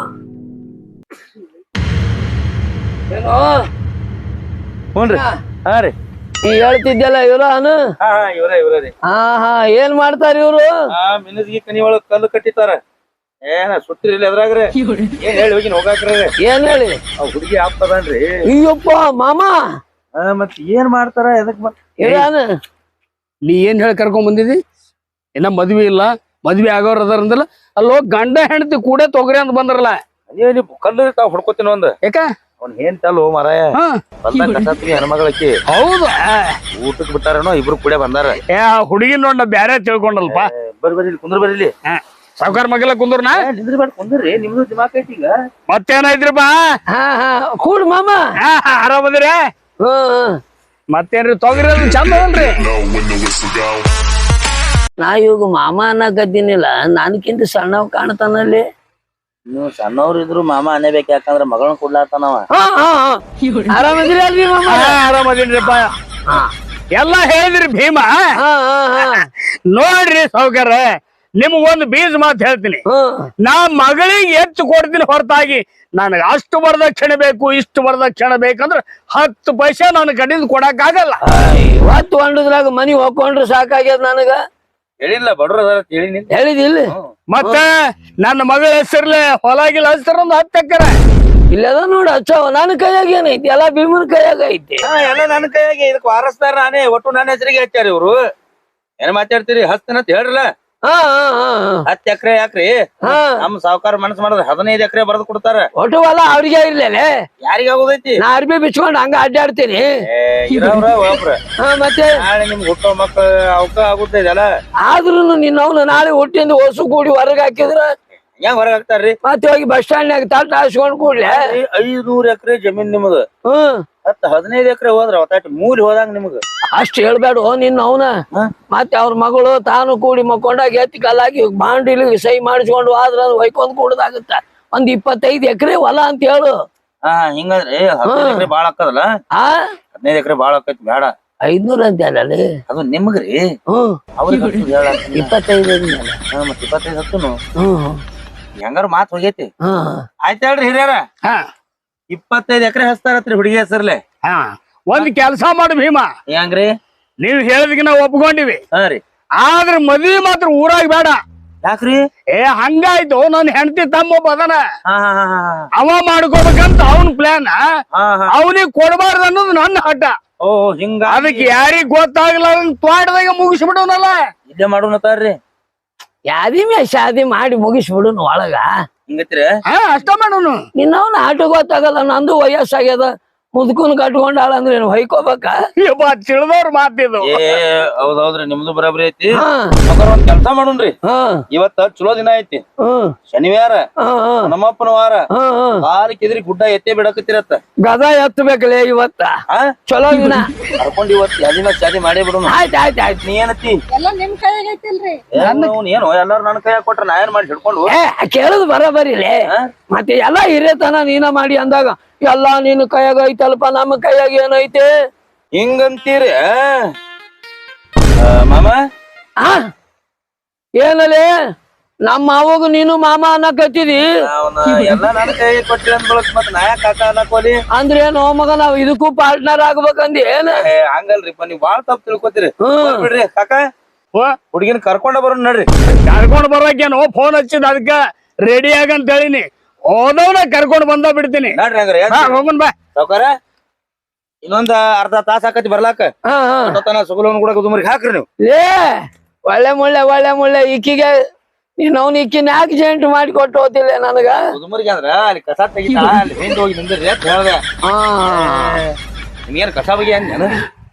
ಏನೋ ಹ್ಞೂನ್ರಿ ಹಾ ರೀ ನೀ ಹೇಳ್ತಿದ್ದಲ್ಲ ಇವ್ರು ಅನು ಹಾ ಹಾ ಇವ್ರ ಇವ್ರ ರೀ ಹಾ ಹಾ ಏನ್ ಮಾಡ್ತಾರ ಇವ್ರು ಆ ಮಿನಸ್ಗಿ ಕನಿ ಒಳಗ್ ಕಲ್ಲು ಕಟ್ಟಿತಾರ ಏನ ಸುಟ್ಟಿರಿಲ್ಲ ಎದ್ರಾಗ್ರಿ ಏನ್ ಹೇಳಿ ಹೋಗಿನ ಹೋಗಾಕ್ರಿ ಏನ್ ಹೇಳಿ ಅವ್ ಹುಡುಗಿ ಆಗ್ತದನ್ರಿ ಅಯ್ಯಪ್ಪ ಮಾಮ ಮತ್ ಏನ್ ಮಾಡ್ತಾರ ಎದಕ್ ಇವ್ರಾನು ನೀ ಏನ್ ಹೇಳಿ ಕರ್ಕೊಂಡ್ ಬಂದಿದಿ ಇನ್ನ ಮದ್ವಿ ಇಲ್ಲ ಮದ್ವಿ ಆಗೋರ್ ಅದಾರಂದಲ್ಲ ಅಲ್ಲಿ ಹೋಗಿ ಗಂಡ ಹೆಂಡತಿ ಕೂಡ ತೊಗರಿ ಅಂತ ಬಂದ್ರಲ್ಲ ನೀ ಕಲ್ಲು ತಾವ್ ಹೊಡ್ಕೋತೀನಿ ಒಂದ್ ಯಾಕ ಅವ್ನ್ ಏನ್ ತಲ್ಲು ಮಾರಾಯ ಹಾ ಬಂದ ಕಸತ್ರಿ ಹೆಣ್ಮಗಳಕ್ಕಿ ಹೌದು ಊಟಕ್ ಬಿಟ್ಟಾರೇನೋ ಇಬ್ರು ಕೂಡ ಬಂದಾರ ಏ ಹುಡುಗಿ ನೋಡ್ ನಾ ಬ್ಯಾರೆ ತಿಳ್ಕೊಂಡಲ್ಪ ಬರ್ರಿ ಬರ್ರಿ ಕುಂದ್ರ ಬರ್ರಿ ಸಾವ್ಕಾರ ಮಗಲ ಕುಂದ್ರನ ನಿಂದ್ರಿ ಬೇಡ ಕುಂದ್ರಿ ನಿಮ್ದು ದಿಮಾಕ್ ಐತಿ ಈಗ ಮತ್ತೇನಾಯ್ತ್ರಿ ಬಾ ಹಾ ಹಾ ಕೂಡ್ ಮಾಮ ಆರಾಮದಿರ ಹ್ಮ್ ಮತ್ತೇನ್ರಿ ತೊಗರಿ ಚಂದ ಅದಲ್ರಿ ನಾ ಇವಾಗ ಮಾಮ ಅನ್ನಕತ್ತೀನಿಲ್ಲ ನನ್ಕಿಂತ ಸಣ್ಣವ್ ಕಾಣ್ತಾನಲ್ಲಿ ನೀವು ಸಣ್ಣವ್ರು ಇದ್ರು ಮಾಮ ಅನ್ನಬೇಕು ಯಾಕಂದ್ರ ಮಗಳನ್ನ ಕೊಡ್ಲಾತಾನವ ಹಾ ಹಾ ಹಾ ಆರಾಮದಿರಿ ಅಲ್ರಿ ಮಾಮ ಆರಾಮದಿನ್ರಿಪ್ಪ ಎಲ್ಲಾ ಹೇಳಿದ್ರಿ ಭೀಮ ಹಾ ಹಾ ಹಾ ನೋಡ್ರಿ ಸಾವ್ಕಾರ ನಿಮ್ಗೊಂದು ಬೀಜ ಮಾತು ಹೇಳ್ತೀನಿ ಹ್ಮ್ ನಾ ಮಗಳಿಗೆ ಹೆಚ್ಚು ಕೊಡ್ತೀನಿ ಹೊರತಾಗಿ ನನಗೆ ಅಷ್ಟು ವರದಕ್ಷಿಣೆ ಬೇಕು ಇಷ್ಟು ವರದಕ್ಷಿಣೆ ಬೇಕಂದ್ರ ಹತ್ತು ಪೈಸೆ ನನ್ನ ಕಡೆಯಿಂದ ಕೊಡಕ್ ಆಗಲ್ಲ ಇವತ್ತು ಹೊಂಡದ್ರಾಗ ಮನಿ ಹೋಗ್ಕೊಂಡ್ರು ಸಾಕಾಗ್ಯದ ನನಗ ಹೇಳಿಲ್ಲ ಬಡ್ರ ಹೇಳಿನಿ ಹೇಳಿದಿಲ್ಲ ಮತ್ತೆ ನನ್ನ ಮಗಳ ಹೆಸರ್ಲೆ ಹೊಲಾಗಿಲ್ಲ ಹೆಸರು ಒಂದು ಹತ್ತು ಎಕರೆ ಇಲ್ಲದ ನೋಡ ಹಚ್ಚವ ನನ್ನ ಕೈಯಾಗ ಏನೈತಿ ಎಲ್ಲಾ ಭೀಮನ ಕೈಯಾಗ ಐತಿ ಎಲ್ಲ ನನ್ನ ಕೈಯಾಗೆ ಇದಕ್ ವಾರಸ್ದಾರ ನಾನೇ ಒಟ್ಟು ನನ್ನ ಹೆಸರಿಗೆ ಹಚ್ಚಾರ ಇವ್ರು ಏನ್ ಮಾತಾಡ್ತೀರಿ ಹಸ್ತನ ಅಂತ ಹೇಳ್ರಲ್ಲ ಹಾ ಹಾ ಹಾ ಹಾ ಹತ್ತು ಎಕರೆ ಯಾಕ್ರಿ ಹಾ ನಮ್ ಸಾವುಕಾರ ಮನಸ್ಸು ಮಾಡಿದ್ರೆ ಹದಿನೈದು ಎಕರೆ ಬರೆದು ಕೊಡ್ತಾರ ಒಟ್ಟು ಹೊಲ ಅವ್ರಿಗೆ ಇರ್ಲೇನೆ ಯಾರಿಗ ಆಗೋದೈತಿ ನಾ ಅರ್ಬಿ ಬಿಚ್ಕೊಂಡ್ ಹಂಗ ಅಡ್ಡಾಡ್ತೀನಿ ಇರವ್ರ ಒಬ್ರ ಹಾ ಮತ್ತೆ ನಾಳೆ ನಿಮ್ಗೆ ಹುಟ್ಟೋ ಮಕ್ಳು ಅವಕ ಆಗುತ್ತೆ ಇದೆಲ್ಲ ಆದ್ರೂ ನಿನ್ನವನು ನಾಳೆ ಹುಟ್ಟಿಂದ ಹೊಸು ಕೂಡಿ ಹೊರಗೆ ಹಾಕಿದ್ರ ಹೆಂಗ್ ಹೊರಗ್ ಹಾಕ್ತಾರ್ರಿ ಮತ್ತೆ ಹೋಗಿ ಬಸ್ ಸ್ಟ್ಯಾಂಡ್ನಾಗ ತಟ್ಟ ಹಾಸ್ಕೊಂಡ್ ಕೂಡ್ಲೆ ಐದ್ನೂರ್ ಎಕರೆ ಜಮೀನ್ ನಿಮ್ದು ಹ್ಮ್ ಹತ್ತು ಹದಿನೈದು ಎಕರೆ ಹೋದ್ರ ಅವತ್ತಾಟ ಮೂಲಿ ಹೋದಂಗ ನಿಮ್ಗ ಅಷ್ಟ್ ಹೇಳ್ಬೇಡ ನಿನ್ನ ಅವನ ಹಾ? ಮತ್ತೆ ಅವ್ರ ಮಗಳು ತಾನು ಕೂಡಿ ಮಕ್ಕೊಂಡಾಗ ಎತ್ತಿ ಕಲ್ಲಾಗಿ ಬಾಂಡಿಲಿ ಸಹಿ ಮಾಡಿಸ್ಕೊಂಡು ಆದ್ರ ಅದು ಹೊಯ್ಕೊಂಡ್ ಕೂಡದಾಗುತ್ತ ಒಂದ್ ಇಪ್ಪತ್ತೈದು ಎಕರೆ ಹೊಲ ಅಂತ ಹೇಳು ಹಾ ಹಿಂಗಂದ್ರೆ ಹದಿನೈದು ಎಕರೆ ಬಾಳ ಆಕ್ಕದಲ್ಲ ಆ ಹದಿನೈದು ಎಕರೆ ಬಾಳ ಆಕೈತಿ ಬೇಡ ಐದ್ನೂರ ಅಂತ ಹೇಳಲಿ ಅದು ನಿಮ್ಗ್ರಿ ಹ್ಮ್ ಅವ್ರಿಗೆ ಹೇಳಾಕ್ತೀನಿ. ಇಪ್ಪತ್ತೈದು ಹಾ, ಮತ್ತ್ ಇಪ್ಪತ್ತೈದು ಹತ್ತುನು ಹ್ಮ್ ಹೆಂಗಾರ ಮಾತ್ ಹೋಗೈತಿ ಹ್ಮ್ ಆಯ್ತ ಹೇಳ್ರಿ ಹಿರಿಯರ ಹಾ ಇಪ್ಪತ್ತೈದು ಎಕರೆ ಹಚ್ತಾರತ್ರಿ ಹುಡುಗಿ ಹೆಸರ್ಲೆ ಹಾ ಒಂದ್ ಕೆಲಸ ಮಾಡು ಭೀಮ ಹೆಂಗ್ರಿ ನೀವ್ ಹೇಳಿದ್ಕೆ ನಾವು ಒಪ್ಕೊಂಡಿವಿ ಹಾ ರೀ ಆದ್ರ ಮದ್ವಿ ಮಾತ್ರ ಊರಾಗ ಬೇಡ ಯಾಕ್ರಿ ಏ ಹಂಗಾಯ್ತು ನನ್ ಹೆಂಡತಿ ತಮ್ಮ ಒಬ್ಬ ಅದಾನ ಹಾ ಹಾ ಹಾ ಹಾ ಅವ ಮಾಡ್ಕೋಬೇಕಂತ ಅವನ್ ಪ್ಲಾನ್ ಹಾ ಹಾ ಅವನಿಗೆ ಕೊಡಬಾರ್ದು ಅನ್ನೋದು ನನ್ನ ಹಠ ಓ ಹಿಂಗ ಅದಕ್ಕೆ ಯಾರಿಗ್ ಗೊತ್ತಾಗ್ಲ ತೋಟದಾಗ ಮುಗಿಸ್ಬಿಡೋನಲ್ಲ ಇಲ್ಲೇ ಮಾಡೋಣತಾರ್ರಿ ಯಾದಿ ಮೇ ಶಾದಿ ಮಾಡಿ ಮುಗಿಸ್ಬಿಡುನು ಒಳಗ ಹಿಂಗತ್ರಿ ಹಾ ಅಷ್ಟ ಮಾಡೋನು ನಿನ್ನವನ ಆಟ ಗೊತ್ತಾಗಲ್ಲ ನಂದು ವಯಸ್ಸಾಗ್ಯದ ಮುದ್ಕುನ್ ಕಟ್ಕೊಂಡಾಳ ಅಂದ್ರೆ ಏನು ಹೊಯ್ಕೋಬೇಕ ಯಪ್ಪ ತಿಳಿದವ್ರ ಮಾತಿದು ಏ ಹೌದೌದ್ರಿ ನಿಮ್ದು ಬರಾಬರಿ ಐತಿ ಹಾ ಅಕ್ಕಾರ ಒಂದ್ ಕೆಲ್ಸ ಮಾಡೋಣ್ರಿ ಹಾ ಇವತ್ತ ಚಲೋ ದಿನ ಐತಿ ಹ್ಮ್ ಶನಿವಾರ ಹಾ ಹಾ ಹನುಮಪ್ಪನ ವಾರ ಹಾ ಹಾ ಕಾಲಿಕ್ ಎದ್ರಿ ಗುಡ್ಡ ಎತ್ತೇ ಬಿಡಕತ್ತಿರತ್ತ ಗದ ಎತ್ತಬೇಕಲೇ ಇವತ್ತ ಹಾ ಚಲೋ ದಿನ ಕರ್ಕೊಂಡ್ ಇವತ್ ಯಾದಿನ ಶಾದಿ ಮಾಡೇ ಬಿಡೋಣ ಆಯ್ತ್ ಆಯ್ತ್ ಆಯ್ತ್ ನೀ ಏನತ್ತಿ ಎಲ್ಲ ನಿಮ್ ಕೈಯಾಗ ಐತಿಲ್ರಿ ಏನು ಎಲ್ಲಾರು ನನ್ನ ಕೈಯಾಗ ಕೊಟ್ರ ನಾ ಏನ್ ಮಾಡಿ ಹಿಡ್ಕೊಂಡು ಏ ಕೇಳುದು ಬರಬರಿಲೇ ಮತ್ತೆ ಎಲ್ಲಾ ಹಿರೇತನ ನೀನ ಮಾಡಿ ಅಂದಾಗ ಎಲ್ಲಾ ನಿನ್ನ ಕೈಯಾಗ ಐತಲ್ಪ ನಮ್ಮ ಕೈಯಾಗ ಏನೈತೆ ಹಿಂಗಂತೀರಿ ಮಾಮ ಆ ಏನಲೇ ನಮ್ಮ ಮಾವಗ ನೀನು ಮಾಮ ಅನ್ನಕತ್ತಿದಿ ಅವನ ಎಲ್ಲಾ ನನ್ನ ಕೈಯಾಗ ಕೊಟ್ರಿ ಅಂದ್ಕೊಳಕ್ ಮತ್ ನಾ ಯಾಕೆ ಕಾಕ ಅನ್ನಕೋಲಿ ಅಂದ್ರೆ ಏನು ಮಗ ನಾವ್ ಇದಕ್ಕೂ ಪಾರ್ಟ್ನರ್ ಆಗ್ಬೇಕಂದಿ ಏನ ಏ ಹಂಗಲ್ರಿಪ್ಪ ನೀವ್ ಬಾಳ್ ತಪ್ಪು ತಿಳ್ಕೊತೀರಿ ಹ್ಮ್ ಬಿಡ್ರಿ ಕಾಕ ಓ ಹುಡುಗಿನ ಕರ್ಕೊಂಡ ಬರೋಣ ನಡ್ರಿ ಕರ್ಕೊಂಡ್ ಬರಕೇನು ಫೋನ್ ಹಚ್ಚಿದ ಅದಕ್ಕ ರೆಡಿ ಆಗಂತ ಹೇಳಿನಿ ಹೋದವ್ನ ಕರ್ಕೊಂಡ್ ಬಂದ ಬಿಡ್ತೀನಿ ನಡ್ರಿ ಹಂಗಾರ ಹಾ ಹೋಗನ್ ಬಾ ಸಾವ್ಕಾರ ಇನ್ನೊಂದ್ ಅರ್ಧ ತಾಸ ಆಕತಿ ಬರ್ಲಾಕ ಹಾ ಹಾ ತನ ಸುಗುಲವನ್ ಕೂಡ ಗುದುಮರಿಗೆ ಹಾಕ್ರಿ ನೀವು ಲೇ ಒಳ್ಳೆ ಮುಳ್ಳೆ ಒಳ್ಳೆ ಮುಳ್ಳೆ ಈಕಿಗೆ ನೀನ್ ಅವ್ನ ಈಕಿನ ಯಾಕೆ ಜೇಂಟ್ ಮಾಡಿ ಕೊಟ್ಟು ಹೋತಿಲ್ಲ ನನಗ ಗುದುಮರ್ಗಿ ಅಂದ್ರ ಅಲ್ಲಿ ಕಸ ತೆಗಿತಾ ಅಲ್ಲಿ ಹಿಂದ್ ಹೋಗಿ ನಿಂದ್ರಿ ಅಂತ ಹೇಳ್ದೆ ಹಾ ನಿಮ್ಗೇನ್ ಕಸ ಬಗ್ಗೆ ಅಂದ್ಯಾನ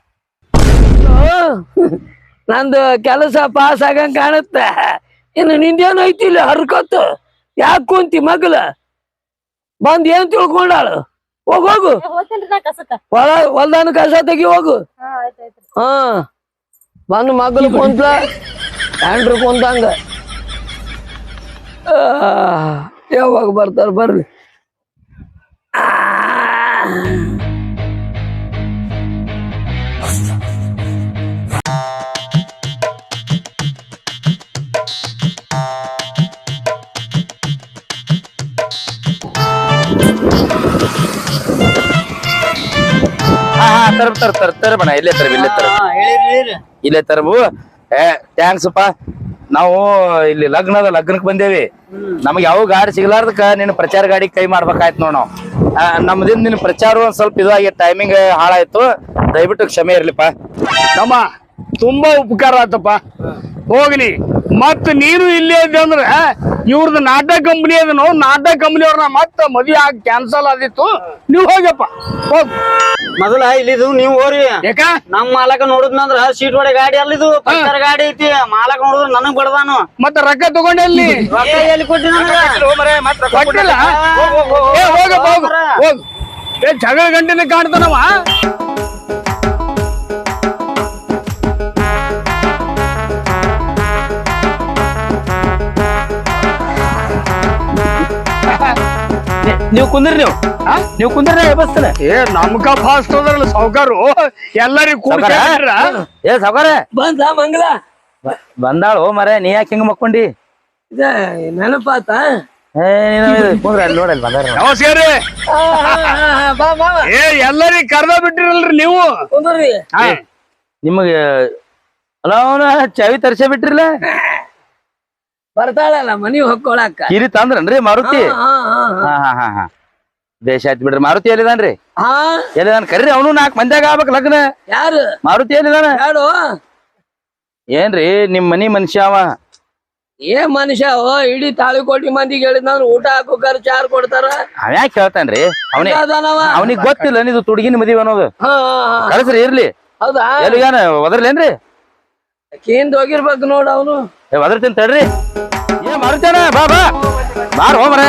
ನಂದು ಕೆಲಸ ಪಾಸ್ ಆಗಂಗ್ ಕಾಣುತ್ತೆ ಇನ್ನು ನಿಂದೇನು ಐತಿಲ್ಲ ಹರ್ಕೊತ್ತು ಯಾಕೆ ಕುಂತಿ ಮಗ್ಲ ಬಂದ್ ಏನ್ ತಿಳ್ಕೊಂಡಾಳು ಹೋಗ್ ಹೋಗು ಹೋಗ್ತೇನ್ರಿ ನಾ ಕಸಕ್ಕ ಹೊಲ ಹೊಲ್ದಾನ ಕಸ ತೆಗಿ ಹೋಗು ಹಾ ಆಯ್ತಾಯ್ತು ಹಾ ಬಂದು ಮಗ್ಳು ಕುಂತ್ಲ ಹ್ಯಾಂಡ್ರು ಕುಂತಂಗ ಆ, ಯಾವಾಗ ಬರ್ತಾರ ಬರ್ಲಿ ಆ. ಹಾ ಹಾ ತರ ತರ ತರ ತರ ಬಣ ಇಲ್ಲೇ ತರ ಇಲ್ಲೇ ತರ ಇಲ್ಲೇ ತರಬು ಏ ಥ್ಯಾಂಕ್ಸ್ಪ್ಪ ನಾವು ಇಲ್ಲಿ ಲಗ್ನದ ಲಗ್ನಕ್ ಬಂದೇವಿ ನಮ್ಗೆ ಯಾವ ಗಾಡಿ ಸಿಗ್ಲಾರ್ದಕ್ಕ ನಿನ್ನ ಪ್ರಚಾರ ಗಾಡಿ ಕೈ ಮಾಡ್ಬೇಕಾಯ್ತು ನೋಡ್ ನಾವು ಆ, ನಮ್ದಿಂದ ನಿನ್ನ ಪ್ರಚಾರ ಒಂದ್ ಸ್ವಲ್ಪ ಇದಾಗಿ ಟೈಮಿಂಗ್ ಹಾಳಾಯ್ತು ದಯವಿಟ್ಟು ಕ್ಷಮೆ ಇರ್ಲಿಪ್ಪ ತಮ್ಮ ತುಂಬಾ ಉಪಕಾರ ಆತಪ್ಪ ಹೋಗ್ನಿ ಮತ್ ನೀನು ಇಲ್ಲೇ ಇದ್ದೆ ಅಂದ್ರ ಇವ್ರದ್ದು ನಾಟಕ ಕಂಪನಿ ಅದನು ನಾಟಕ ಕಂಪನಿ ಅವ್ರನ್ನ ಮತ್ತ ಮದ್ವೆ ಆಗಿ ಕ್ಯಾನ್ಸಲ್ ಆದಿತ್ತು ನೀವ್ ಹೋಗಪ್ಪ ಹೋಗ್ ಮೊದಲ ಇಲ್ಲಿದು ನೀವು ಹೋರಿ ಯಾಕ ನಮ್ ಮಾಲಕ ನೋಡಿದ್ನಂದ್ರ ಸೀಟ್ ಒಡೆ ಗಾಡಿ ಅಲ್ಲಿದು ಪಂಚರ್ ಗಾಡಿ ಐತಿ ಮಾಲಕ ನೋಡಿದ್ರ ನನಗ್ ಬಡದಾನು ಮತ್ತ ರೊಕ್ಕ ತಗೊಂಡೆ ಅಲ್ಲಿ ರೊಕ್ಕ ಎಲ್ಲಿ ಕೊಟ್ಟಿ ನನಗ ಕೊಟ್ಟಿಲ್ಲ ಏ ಹೋಗಪ್ಪ ಹೋಗು ಹೋಗ್ ಏ ಜಗಳ ಗಂಟೆನೆ ಕಾಣ್ತಾನವ ನೀವು ಕುಂದ್ರಿ ನೀವು ನೀವು ಕುಂದ್ರಿ ಬಸ್ತೇನೆ ಏ ನಮ್ಕ ಫಾಸ್ಟ್ ಹೋದ್ರಲ್ಲ ಸಾವ್ಕಾರು ಎಲ್ಲರಿಗೂ ಕೂಡ ಏ ಸಾವ್ಕಾರ ಬಂದ ಮಂಗಲ ಬಂದಾಳು ಮರ ನೀ ಯಾಕೆ ಹಿಂಗ ಮಕ್ಕೊಂಡಿ ಇದ ನೆನಪಾತ ಏ ನೀನು ಕುಂದ್ರ ಅಲ್ಲಿ ನೋಡಲ್ಲಿ ಬಂದಾರ ನಮಸ್ಕಾರ ಆ, ಆ, ಆ, ಆ, ಬಾ ಬಾ ಬಾ. ಏ ಎಲ್ಲರಿಗೂ ಕರ್ದ ಬಿಟ್ಟಿರಲ್ರಿ ನೀವು ಕುಂದ್ರಿ ಹಾ. ನಿಮಗೆ ಅಲ್ಲ ಅವನ ಚಾವಿ ತರ್ಸೇ ಬಿಟ್ರಿಲ್ಲ ಬರ್ತಾಳಲ್ಲ ಮನಿ ಹೊಕ್ಕೊಳಕ ಕಿರಿ ತಂದ್ರನ್ರಿ ಮಾರುತಿ ಹಾ ಹಾ ಹಾ ಹಾ ಹಾ ಹಾ ಹಾ ದೇಶ ಆಯ್ತು ಬಿಡ್ರಿ ಮಾರುತಿ ಎಲ್ಲಿದಾನ್ರಿ ಹಾ ಎಲ್ಲಿದಾನ ಕರ್ರಿ ಅವನು ನಾಲ್ಕು ಮಂದ್ಯಾಗ ಆಗ್ಬೇಕು ಲಗ್ನ ಯಾರು ಮಾರುತಿ ಎಲ್ಲಿದಾನ ಯಾರು ಏನ್ರಿ ನಿಮ್ ಮನಿ ಮನುಷ್ಯ ಅವ ಏ ಮನುಷ್ಯ ಓ ಇಡೀ ತಾಳಿಕೋಟಿ ಮಂದಿಗೆ ಹೇಳಿದ್ನಂದ್ರ ಊಟ ಹಾಕೋ ಖರ್ಚು ಯಾರು ಕೊಡ್ತಾರ ಅವ ಯಾಕೆ ಹೇಳ್ತಾನ್ರಿ ಅವನಿ ಅದಾನವ. ಅವನಿಗೆ ಗೊತ್ತಿಲ್ಲ ನೀದು ತುಡುಗಿನ ಮದಿವಿ ಅನ್ನೋದು ಹಾ ಹಾ ಹಾ ಕಳ್ಸ್ರಿ ಇರ್ಲಿ ಹೌದಾ ಎಲ್ಲಿಗಾನ ಒದರ್ಲೇನ್ರಿ ಕೇಂದ್ ಹೋಗಿರ್ಬೇಕು ನೋಡ್ ಅವನು ಏ ಒದರ್ತೀನಿ ತಡ್ರಿ ಏ ಮಾರುತೇನ ಬಾ ಬಾ ಬಾರ ಹೋಮರ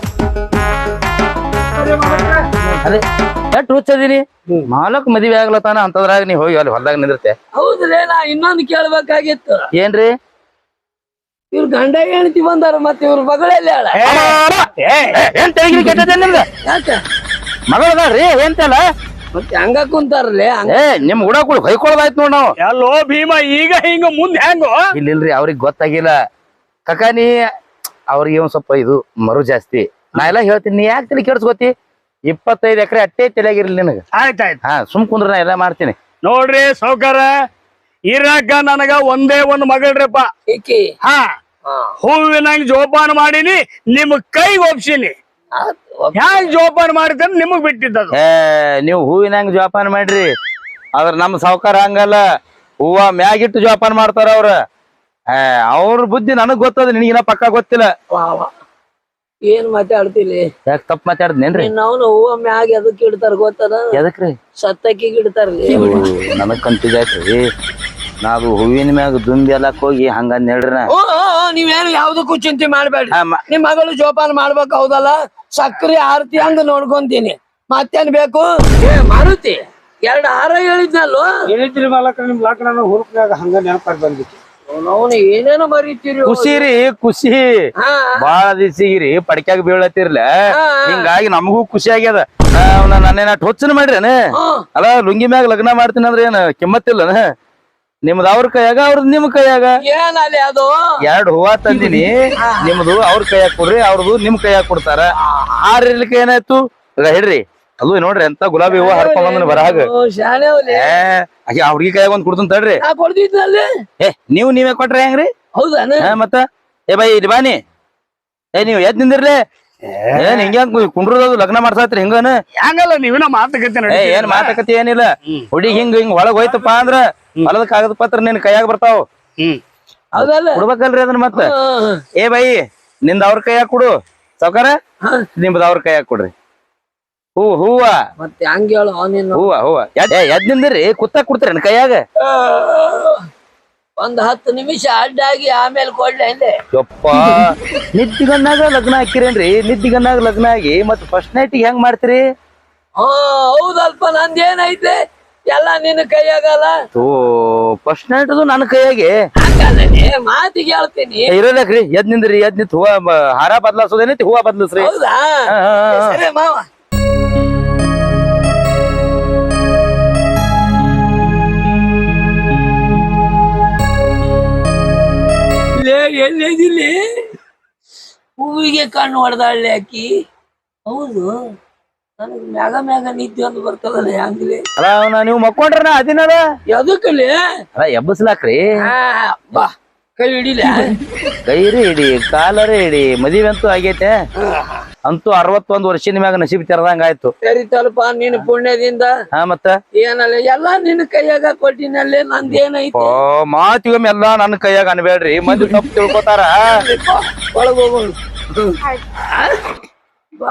ಅದೇ ಎಷ್ಟ್ ಹುಚ್ಚದೀನಿ ಮಾಲಕ್ ಮದ್ವೆ ಆಗ್ಲತ್ತಾನ ಅಂತದ್ರಾಗ ನೀ ಹೋಗಿ ಅಲ್ಲಿ ಹೊಲ್ದಾಗ ನಿಂದಿರ್ತೆ ಹೌದ್ರೇ ನಾ ಇನ್ನೊಂದು ಕೇಳ್ಬೇಕಾಗಿತ್ತು ಏನ್ರಿ ಇವ್ರ ಗಂಡ ಹೆಣ್ತಿ ಬಂದಾರ ಮತ್ತೆ ಇವ್ರ ಮಗಳೆಲ್ಲ ಹೇಳ ಏ, ಏನ್ ತೆಗಿಲಿ ಕೆಟ್ಟದ ನಿಮ್ದ ಯಾಕ ಮಗಳದಾಳ್ರಿ ಏನ್ತಲ್ಲ ಮತ್ತೆ ಹಂಗ ಕುಂತಾರಲ್ಲೇ ಹಂಗ ಏ ನಿಮ್ ಹುಡಗಳು ಹೊಯ್ಕೊಳದಾಯ್ತು ನೋಡ್ ನಾವು ಎಲ್ಲೋ ಭೀಮ ಈಗ ಹಿಂಗ ಮುಂದೆ ಹೆಂಗೋ ಇಲ್ಲ ಇಲ್ರಿ ಅವ್ರಿಗೆ ಗೊತ್ತಾಗಿಲ್ಲ ಕಕ್ಕ ನೀ ಅವ್ರಿಗೆ ಒಂದ್ ಸ್ವಲ್ಪ ಇದು ಮರು ಜಾಸ್ತಿ ನಾ ಎಲ್ಲ ಹೇಳ್ತೀನಿ ನೀ ಯಾಕೆ ತಲೆ ಕೆಡ್ಸ್ಕೊತಿ ಇಪ್ಪತ್ತೈದು ಎಕರೆ ಅಟ್ಟೆ ತಲೆಯಾಗಿರ್ಲಿ ನಿನಗ ಆಯ್ತಾಯ್ತು ಹಾ ಸುಮ್ ಕುಂದ್ರ ನಾ ಎಲ್ಲ ಮಾಡ್ತೀನಿ ನೋಡ್ರಿ ಸೌಕರ ಇರಾಕ ನನಗ ಒಂದೇ ಒಂದ್ ಮಗಳ್ರಿಪ್ಪ ಈಕಿ ಹಾ ಹೂವಿನಂಗ್ ಜೋಪಾನ ಮಾಡೀನಿ ನಿಮ್ ಕೈ ಒಪ್ಸಿನಿ ಹ್ಯಾಂಗ್ ಜೋಪಾನ ಮಾಡಿದ್ರೆ ನಿಮಗ್ ಬಿಟ್ಟಿದ್ದದು ಏ ನೀವು ಹೂವಿನಂಗ್ ಜೋಪಾನ ಮಾಡ್ರಿ ಆದ್ರ ನಮ್ ಸಾವ್ಕಾರ ಹಂಗಲ್ಲ ಹೂವ ಮ್ಯಾಗಿಟ್ಟು ಜೋಪಾನ ಮಾಡ್ತಾರ ಅವ್ರ ಏ ಅವ್ರ ಬುದ್ಧಿ ನನಗ್ ಗೊತ್ತದ ನಿನಗಿನ ಪಕ್ಕ ಗೊತ್ತಿಲ್ಲ ವಾ ವಾ. ಏನ್ ಮಾತಾಡ್ತಿಲಿ ಯಾಕೆ ತಪ್ಪ ಮಾತಾಡ್ದೇನ್ರಿ ಅವನು ಹೂವ ಮ್ಯಾಗ ಎದಕ್ ಇಡ್ತಾರ ಗೊತ್ತದ ಎದಕ್ರಿ ಸತ್ತಕ್ಕಿಗೆ ಇಡ್ತಾರ್ರಿ ನನಗ್ ಕನ್ಫ್ಯೂಸ್ ಆಯ್ತ್ರಿ ನಾವು ಹೂವಿನ ಮ್ಯಾಗ ದುಂಬಿ ಎಲ್ಲಕ್ ಹೋಗಿ ಹಂಗಂದ್ ಹೇಳ್ರಿ ನಾ ಓ ಓ, ಓ, ನೀವೇನು ಯಾವ್ದಕ್ಕೂ ಚಿಂತೆ ಮಾಡ್ಬೇಡ್ರಿ ಹಾ, ಮ- ನಿಮ್ ಮಗಳು ಜೋಪಾನ ಮಾಡ್ಬೇಕು ಹೌದಲ್ಲ ಸಕ್ರಿ ಆರತಿ ಹಂಗ ನೋಡ್ಕೊಂತೀನಿ ಮತ್ತೇನ್ ಬೇಕು ಏ ಮಾರುತಿ ಎರಡ್ ಹಾರ ಹೇಳಿದ್ನಲ್ವ ಹೇಳಿದ್ರಿ ಮಾಲಕ ನಿಮ್ ಲಾಕಣ ಹುರುಪ್ನಾಗ ಹಂಗ ನೆನಪಾಗಿ ಬಂದಿತ್ತು ಅವನು ಏನೇನೋ ಬರೀತೀರಿ ಖುಷಿ ರೀ ಖುಷಿ ಹಾ ಬಾಳ ದಿವ್ಸಿಗಿರಿ ಪಡ್ಕ್ಯಾಗ ಬೀಳತ್ತಿರ್ಲ ಹಾ. ಹಿಂಗಾಗಿ ನಮಗೂ ಖುಷಿ ಆಗ್ಯದ ಅವ್ನ ನನ್ನೇನ ಹೊಚ್ಚನ ಮಾಡ್ರೇನ ಹಾ. ಅಲ್ಲ ಲುಂಗಿ ಮ್ಯಾಗ ಲಗ್ನ ಮಾಡ್ತೀನಿ ಅಂದ್ರೆ ಏನ್ ಕಿಮ್ಮತ್ತಿಲ್ಲನ ನಿಮ್ದು ಅವ್ರ ಕೈಯಾಗ ಅವ್ರದ್ ನಿಮ್ ಕೈಯಾಗ ಏನಲ್ಲಿ ಅದು ಎರಡ್ ಹೂವ ತಂದಿನಿ ನಿಮ್ದು ಅವ್ರ ಕೈಯಾಗ ಕೊಡ್ರಿ ಅವ್ರದ್ದು ನಿಮ್ ಕೈಯಾಗ ಕೊಡ್ತಾರ ಆರ್ ಇರ್ಲಿಕ್ಕೆ ಏನಾಯ್ತು ಈಗ ಹಿಡ್ರಿ ಅದು ನೋಡ್ರಿ ಎಂತ ಗುಲಾಬಿ ಹೂವ ಹರ್ಕೊಂಡ್ ಬಂದನ ಬರಾಗ ಓ, ಶಾಣೆ ಅವ್ಲೆ. ಏ ಆಕಿ ಅವ್ರಿಗೆ ಕೈಯಾಗ ಒಂದ್ ಕೊಡ್ತೀನಿ ತಡ್ರಿ ನಾ ಕೊಡ್ತಿದ್ನಲ್ಲಿ ಏ ನೀವು ನೀವೇ ಕೊಟ್ರೆ ಹೆಂಗ್ರಿ ಹೌದಾನ ಹಾ ಮತ್ತ ಏ ಬೈ ಇಲ್ಲಿ ಬಾನಿ ಏ ನೀವ್ ಎದ್ ನಿಂದಿರ್ಲಿ ಏನ್ ಹಿಂಗ ಕುಂಡ್ರದದು ಲಗ್ನ ಮಾಡ್ಸಾತ್ರಿ ಹಿಂಗನ ಹೆಂಗಲ್ಲ ನೀವಿನ ಮಾತುಕತೆ ಏ ಏನ್ ಮಾತಕತಿ ಏನಿಲ್ಲ ಹುಡುಗಿ ಹಿಂಗ್ ಹಿಂಗ್ ಒಳಗ್ ಹೋಯ್ತಪ್ಪ ಅಂದ್ರ ಹೊಲದ ಕಾಗದ ಪತ್ರ ನಿನ್ ಕೈಯಾಗ ಬರ್ತಾವ ಹ್ಮ್ ಹೌದಲ್ಲ ಕೊಡ್ಬೇಕಲ್ರಿ ಅದನ್ನ ಮತ್ತ ಹ್ಮ್. ಏ ಬೈ ನಿಂದ ಅವ್ರ ಕೈಯಾಗ ಕೊಡು ಸಾವ್ಕಾರ ನಿಮ್ದ ಅವ್ರ ಕೈಯಾಗ ಕೊಡ್ರಿ ಹೂ ಹೂವ ಮತ್ತೆ ಹಂಗ ಹೇಳು ಅವನಿನ್ನು ಹೂವ ಹೂವ ಎದ್ ಎದ್ ನಿಂದ್ರಿ ಕುತ್ತಾಗ ಕೊಡ್ತೀರಿ ಕೈಯಾಗ ಒಂದ್ ಹತ್ತು ನಿಮಿಷ ಅಡ್ಡಾಗಿ ಆಮೇಲೆ ಕೊಡ್ಲಿ ಅಂದೆ ಯಪ್ಪ ನಿದ್ದಿಗನ್ನಾಗ ಲಗ್ನ ಹಾಕಿರೇನ್ರಿ ನಿದ್ದಿಗನ್ನಾಗ ಲಗ್ನ ಆಗಿ ಮತ್ ಫಸ್ಟ್ ನೈಟ್ ಹೆಂಗ್ ಮಾಡ್ತೀರಿ ಹಾ ಹೌದಲ್ಪ ನಂದೇನೈತೆ ಎಲ್ಲ ನಿನ್ನ ಕೈಯಾಗಲ್ಲ ಓ ಫಸ್ಟ್ ನೈಟ್ ಅದು ನನ್ನ ಕೈಯಾಗೆ ಹಂಗಲ್ಲನೆ ಮಾತಿಗೆ ಹೇಳ್ತೀನಿ ಇರೋದಕ್ರಿ ಎದ್ ನಿಂದ್ರಿ ಎದ್ ನಿಂತ್ ಹೂವ ಬ- ಹಾರ ಬದ್ಲಾಸೋದೇನೈತಿ ಹೂವ ಬದ್ಲಸ್ರಿ ಹೌದಾ ಹಾ, ಹಾ, ಹಾ. ಸರಿ ಮಾವ ಲೇ, ಎಲ್ಲಿದಿಲ್ಲಿ ಹೂವಿಗೆ ಕಣ್ಣು ಹೊಡೆದಾಳೆ ಆಕಿ ಹೌದು ನನಗ್ ಮ್ಯಾಗ ಮ್ಯಾಗ ನಿದ್ದೆ ಒಂದು ಬರ್ತದಲ್ಲ ಹಂಗ್ಲಿ ಅಲ್ಲ ಅವ್ನ ನೀವು ಮಕ್ಕೊಂಡ್ರ ನಾ ಅದಿನದ ಎದಕ್ಕಲ್ಲಿ ಅಲ್ಲ ಎಬ್ಬಸ್ಲಾಕ್ರಿ ಆ, ಬಾ ಕೈ ಹಿಡಿಲ ಕೈರಿ ಇಡಿ ಕಾಲರೇ ಇಡಿ ಮದುವೆ ಅಂತೂ ಆಗೈತೆ ಅಂತೂ ಅರವತ್ತೊಂದ್ ವರ್ಷದ ಮ್ಯಾಗ ನಸೀಬ್ ತೆರದಂಗ ಆಯ್ತು ಸರಿ ತಲಪ ನಿನ್ನ ಪುಣ್ಯದಿಂದ ಹಾ ಮತ್ತ ಏನಲ್ಲ ಎಲ್ಲಾ ನಿನ್ನ ಕೈಯಾಗ ಕೊಟ್ಟಿನಲ್ಲಿ ನಂದೇನೈತಿ ಓ ಮಾತಿಗೊಮ್ಮೆ ಎಲ್ಲಾ ನನ್ನ ಕೈಯಾಗ ಅನ್ಬೇಡ್ರಿ ಮಂದಿ ತಪ್ಪು ತಿಳ್ಕೊತಾರ ಒಳಗ್ ಹೋಗೋಣ ಆ? ಬಾ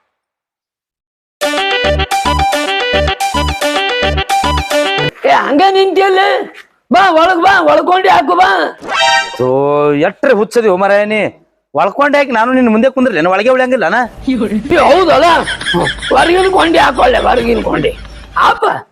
ಏ ಹಂಗ ನಿಂತಿಯಲ್ಲ ಬಾ ಒಳಗ್ ಬಾ ಒಳ್ಕೊಂಡಿ ಹಾಕು ಬಾ ಸೊ ಎಟ್ರೆ ಹುಚ್ಚದಿ ಮರಾಯನಿ ಒಳ್ಕೊಂಡೆ ಹಾಕಿ ನಾನು ನಿನ್ ಮುಂದೆ ಕುಂದ್ರಲಿ ಒಳಗೆ ಉಳಿಯಂಗಿಲ್ಲನ ಏ, ಹೌದಲ್ಲ ಹೊರಗಿನ ಕೊಂಡಿ ಹಾಕೊಳ್ಳೆ ಹೊರಗಿನ ಕೊಂಡಿ ಆಪ